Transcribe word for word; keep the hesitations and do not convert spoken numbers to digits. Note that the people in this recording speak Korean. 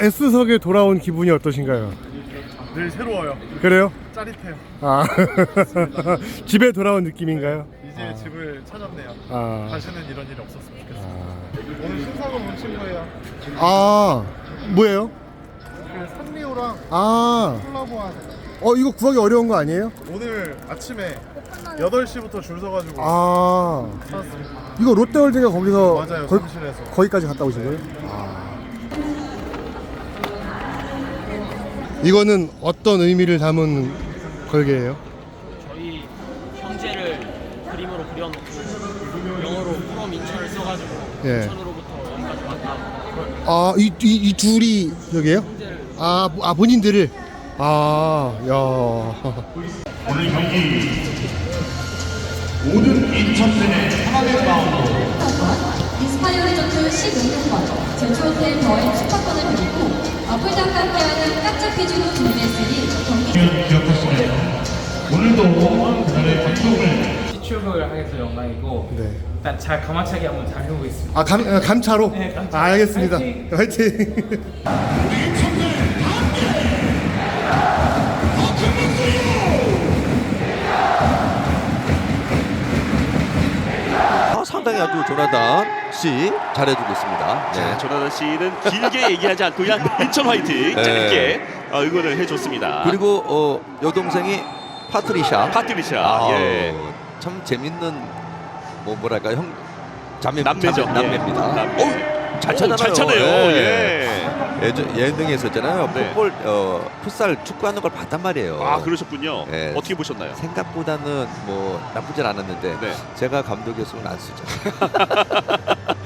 S석에 돌아온 기분이 어떠신가요? 늘 새로워요. 그래요? 짜릿해요. 아 집에 돌아온 느낌인가요? 이제 아. 집을 찾았네요. 아, 다시는 이런 일이 없었으면 좋겠어요. 아, 오늘 신사동 온 친구예요. 아 뭐예요? 그 산리오랑 아, 콜라보한. 어 이거 구하기 어려운 거 아니에요? 오늘 아침에 여덟 시부터 줄 서가지고 아, 찾았습니다. 이거 롯데월드가 거기서 맞아요. 거, 사무실에서. 거기까지 갔다 오신 거예요? 아. 이거는 어떤 의미를 담은 걸개예요? 저희 형제를 그림으로 그려놓고 영어로 프롬 인천을 써가지고 예. 인천으로부터 여기까지 왔다. 아, 이, 이, 이 둘이 여기에요? 형제를 아, 아 본인들을. 아, 야. 오늘 경기 모든 인천팬의 하나된 마음으로 인스파이어 리조트 십오 년권 제초호텔 더앤 숙박권을 드리고 풀장과 함께하는 깜짝 퀴즈도 준비했으니 경기 기억하시면 오늘도 그날의 감동을 시축을 하게 돼서 영광이고 네. 일단 잘 가마차기 한번 잘 해보겠습니다. 아, 감, 아, 감차로? 네, 감차로. 아, 알겠습니다. 화이팅! 화이팅. 아, 상당히 아주 조나단 씨 잘해주고 있습니다. 자, 네. 조나단 씨는 길게 얘기하지 않고 그냥 인천 화이팅 네. 짧게 어, 응원을 해줬습니다. 그리고 어, 여동생이 파트리샤. 파트리샤, 아, 예. 참 재밌는 뭐 뭐랄까 형 자매 남매죠. 자매, 남매입니다. 예. 남매. 어, 잘 오, 차잖아요. 잘 차네요. 예. 예전 예능에 있었잖아요. 네. 풋볼 어, 풋살 축구하는 걸 봤단 말이에요. 아, 그러셨군요. 예. 어떻게 보셨나요? 생각보다는 뭐 나쁘진 않았는데 네. 제가 감독이었으면 안 쓰죠.